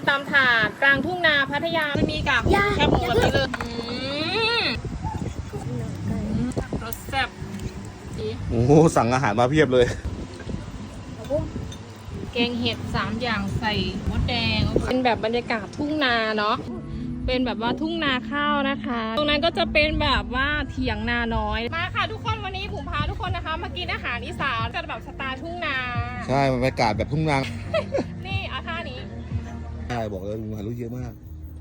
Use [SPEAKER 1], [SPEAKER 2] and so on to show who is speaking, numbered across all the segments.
[SPEAKER 1] ตามถาดกลางทุ่งนาพัทยาจะมีกับแคบหมูแบบนี้เลยรสแซ่บ
[SPEAKER 2] โอ้โหสั่งอาหารมาเพียบเลย
[SPEAKER 1] แกงเห็ด3อย่างใส่มดแดงเป็นแบบบรรยากาศทุ่งนาเนาะเป็นแบบว่าทุ่งนาข้าวนะคะตรงนั้นก็จะเป็นแบบว่าเถียงนาน้อยมาค่ะทุกคนวันนี้ผมพาทุกคนนะคะมากินอาหารอีสานกันแบบสไตล์ทุ่งนา
[SPEAKER 2] ใช่บรรยากาศแบบทุ่งนา
[SPEAKER 1] นี่เอาท่านี้
[SPEAKER 2] ใช่บอกเลยลุงหารู้เยอะมาก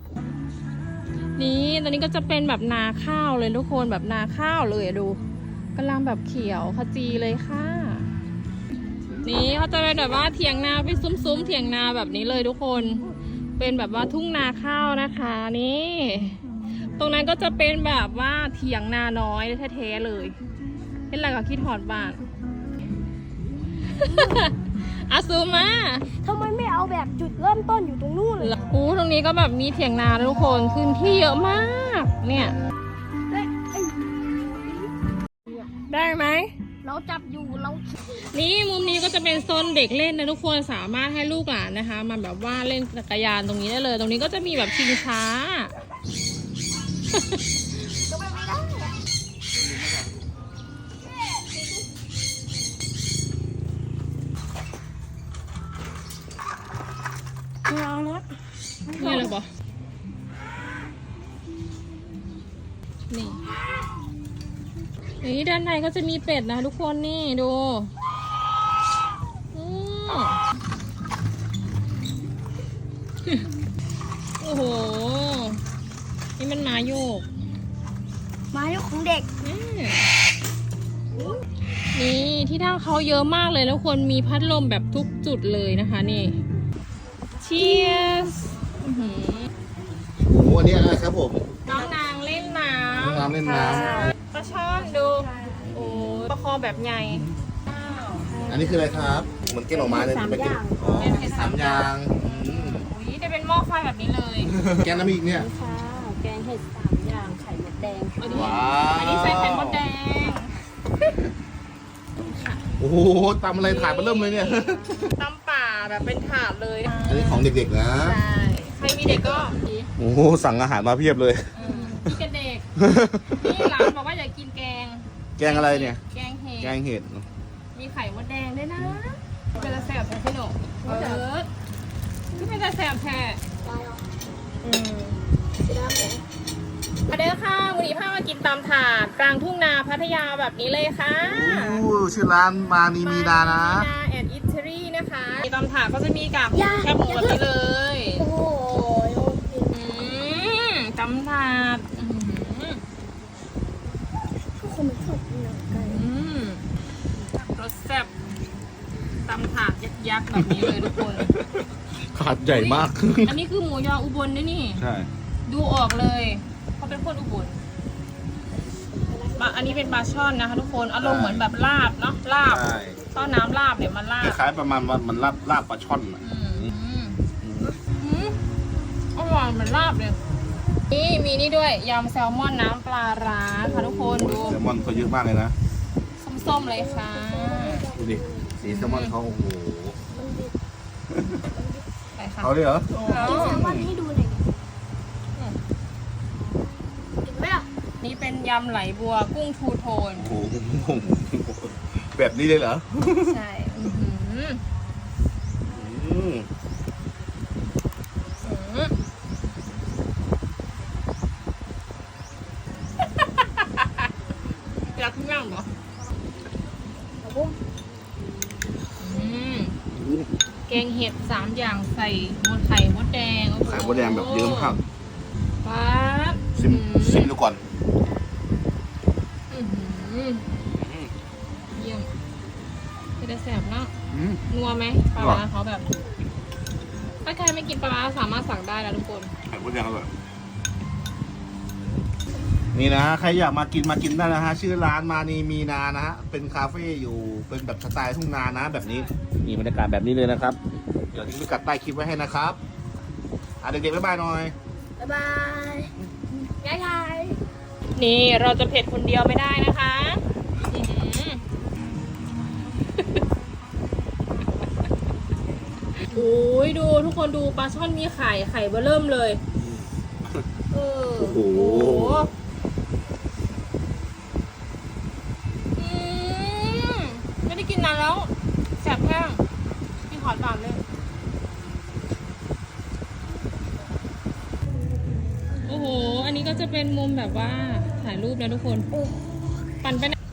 [SPEAKER 1] นี่ตอนนี้ก็จะเป็นแบบนาข้าวเลยทุกคนแบบนาข้าวเลยดูกำลังแบบเขียวขจีเลยค่ะนี่เขาจะเป็นแบบว่าเถียงนาไปซุ้มๆเถียงนาแบบนี้เลยทุกคนเป็นแบบว่าทุ่งนาข้าวนะคะนี่ตรงนั้นก็จะเป็นแบบว่าเถียงนาน้อยแท้ๆเลยเป็นอะไรกับคิดหอดบ้านอาซูมา
[SPEAKER 3] ทำไมไม่เอาแบบจุดเริ่มต้นอยู่ตรงนู้นเลย
[SPEAKER 1] โอ้ตรงนี้ก็แบบมีเถียงนาทุกคนพื้นที่เยอะมากเนี่ยได้ไหม
[SPEAKER 3] เราจับอยู่เรา
[SPEAKER 1] นี่มุมนี้ก็จะเป็นโซนเด็กเล่นนะทุกคนสามารถให้ลูกหลานนะคะมาแบบว่าเล่นจักรยานตรงนี้ได้เลยตรงนี้ก็จะมีแบบชิงช้า
[SPEAKER 3] เรานะ
[SPEAKER 1] นี่เลยบอนี่ด้านในก็จะมีเป็ดนะทุกคนนี่ดูโอ้โหนี่มันม้าโยก
[SPEAKER 3] ม้าโยกของเด็ก
[SPEAKER 1] นี่ที่นั่งเขาเยอะมากเลยแล้วคนมีพัดลมแบบทุกจุดเลยนะคะนี่เชียร์
[SPEAKER 2] โอ้โหอันนี้อะไรครับผม
[SPEAKER 1] น้องนางเล่นน้ำ
[SPEAKER 2] น้องเล่นน้
[SPEAKER 1] ำปลาช่อนดูโอ้ปลาคอแบบใหญ่
[SPEAKER 2] อันนี้คืออะไรครับเหมือนแกงหน่อไม้เลยเป็นเห็ด3 อย่าง
[SPEAKER 1] อุ้ยจะเป็นหม้อไฟแบบนี้เลย
[SPEAKER 2] แกงน้ำอีกเนี่ย
[SPEAKER 3] ค่ะแกงเห็ด3 อย่างไข่มดแดง
[SPEAKER 2] ว้าว
[SPEAKER 1] อันนี้ใส่ไข่มดแดง
[SPEAKER 2] โอ้โหตำอะไรถาดมาเริ่มเลยเนี่ย
[SPEAKER 1] ตำป่าแบบเป็นถาดเลย
[SPEAKER 2] อันนี้ของเด็กๆนะ
[SPEAKER 1] ใช่ใครมีเด็กก็
[SPEAKER 2] โอ้โหสั่งอาหารมาเพียบเลย
[SPEAKER 1] พี่กันเด็กนี่ร้านบอกว่าอยากกินแกง
[SPEAKER 2] อะไรเนี่ย
[SPEAKER 1] แกง
[SPEAKER 2] เห็ด
[SPEAKER 1] มีไข่มดแดงด้วยนะเป็นแสบแท้พี่หนูคือเป็นแสบแท้มาเด้อค่ะวันนี้พามากินตามถาดกลางทุ่งนาพัทยาแบบนี้เลยค่ะ
[SPEAKER 2] ชื่อร้านมานีมีนานะ
[SPEAKER 1] นาแอนด์อิตาลีนะคะตามถาดก็จะมีกับแคบหมูแบบนี้เลย
[SPEAKER 3] โอ้โห
[SPEAKER 1] ตำถาด
[SPEAKER 3] ทุกคนไม่ชอบกินหนังไก่
[SPEAKER 1] รสแซ่บตำถาดยักษ์แบบนี้เลยทุกคน
[SPEAKER 2] ถาดใหญ่มาก
[SPEAKER 1] อันนี้คือหมูยออุบลด้วยนี่
[SPEAKER 2] ใช่
[SPEAKER 1] ดูออกเลยเขาเป็นคนอุบลอันนี้เป็นปลาช่อนนะคะทุกคนอารมณ์เหมือนแบบลาบเนาะลาบต้นน้ำลาบเนี่ยมันลาบ
[SPEAKER 2] คล้ายประมาณมันลาบปลาช่อน
[SPEAKER 1] อร่อยเหมือนลาบเลยนี่มีนี่ด้วยยำแซลมอนน้ำปลาร้าค่ะทุกคนดู
[SPEAKER 2] แซลมอนเขาเยอะมากเลยนะ
[SPEAKER 1] ส้มๆเลยค่ะ
[SPEAKER 2] ดูดิสีแซลมอนเขาโอ้โห
[SPEAKER 1] เขา
[SPEAKER 2] เลยเหรอ
[SPEAKER 3] กินแซลมอนให้ดูหน่อยเห็นไหมอ่ะ
[SPEAKER 1] นี่เป็นยำไหลบัวกุ้งทูโทน
[SPEAKER 2] โอ้โหแบบนี้เลยเหรอ
[SPEAKER 1] ใช่อยากขึ้นย่างเหรอแกงเห็ด3 อย่างใส่ไข่มดแดง
[SPEAKER 2] ไข่มดแดงแบบเยอะมาก
[SPEAKER 1] ป๊า
[SPEAKER 2] ซิมดูก่อน
[SPEAKER 1] เยี่ยมจะแสบเนาะนัวไหมปลาร้าเขาแบบถ้าใครไม่กินปลาร้าสามารถสั่งได้นะทุกคน
[SPEAKER 2] ไข่มดแดงอร่อยนี่นะใครอยากมากินได้นะฮะชื่อร้านมานีมีนานะฮะเป็นคาเฟ่อยู่เป็นแบบสไตล์ทุ่งนานะแบบนี้มีบรรยากาศแบบนี้เลยนะครับเดี๋ยวทิ้งพิกัดใต้คลิปไว้ให้นะครับเด็กๆบ๊ายบายหน่อย
[SPEAKER 3] บ๊ายบายยาย
[SPEAKER 1] นี่เราจะเผ็ดคนเดียวไม่ได้นะคะโอ้ยดูทุกคนดูปลาช่อนมีไข่เบอเริ่มเลยเออ
[SPEAKER 2] โอ้โห
[SPEAKER 1] อืมไม่ได้กินนานแล้วแสบแห้งพี่ขอตามเลยโอ้โหอันนี้ก็จะเป็นมุมแบบว่าถ่ายรูปนะทุกคนปั่นไปนะ